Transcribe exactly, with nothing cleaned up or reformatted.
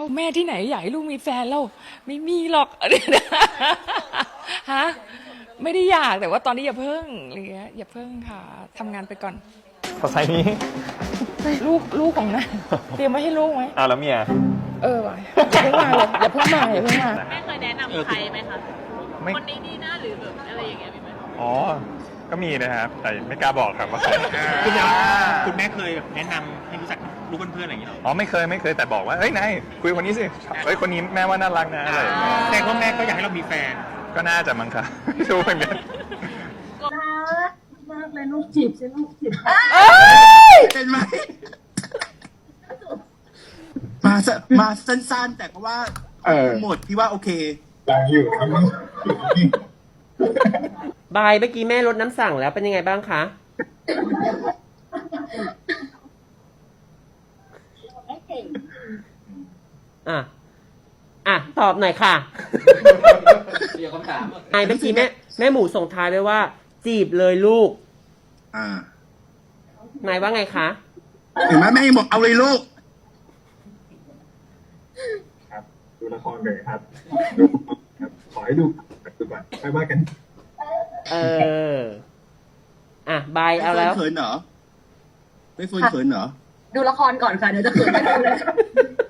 แม่ที่ไหนอยากให้ลูกมีแฟนแล้วไม่มีหรอก ฮะไม่ได้อยากแต่ว่าตอนนี้อย่าเพิ่งอะไรเงี้ยอย่าเพิ่งค่ะทำงานไปก่อนขอไซส์นี้ลูกลูกของนะเตรียมไว้ให้ลูกไหมอ้าวแล้วเมียเออว่ะอย่าเพิ่งมาเลยอย่าเพิ่งมาอย่าเพิ่งมาแม่เคยแนะนำใครไหมคะไม่คนนี้ดีนะหรือแบบอะไรอย่างเงี้ยมีไหมอ๋อ ก็มีนะครับ แต่ไม่กล้าบอกครับว่าใครคุณแม่คุณแม่เคยแบบแนะนำให้รู้จักลูกเพื่อนๆอะไรอย่างเงี้ยหรออ๋อไม่เคยไม่เคยแต่บอกว่าเฮ้ยนายคุยกับคนนี้สิเฮ้ยคนนี้แม่ว่าน่ารักนะอะไรอย่างเงี้ยแต่พ่อแม่ก็อยากให้เรามีแฟนก็น่าจะมั้งครับ ไม่รู้เหมือนกันมากเลยลูกจีบใช่ลูกจีบเป็นไหมมาสมาสั้นๆ แต่ก็ว่าหมดพี่ว่าโอเคบายเมื่อกี้แม่ลดน้ำสั่งแล้วเป็นยังไงบ้างคะ อ่ะ อ่ะ ตอบหน่อยค่ะเดี๋ยวคำถามไอ้เมื่อกี้แม่แม่หมูส่งท้ายไว้ว่า จีบเลยลูกอ่านายว่าไงคะเห็นไหมแม่ยังบอกเอาเลยลูกครับดูละครเลยครับดูครับขอให้ดูดูก่อนค่อยว่ากันเออ อ่ะ บายเอาแล้วไม่เฟิร์นเขินเหรอไม่เฟิร์นเขินเหรอดูละครก่อนค่ะ เดี๋ยวจะเขินไปดูเลย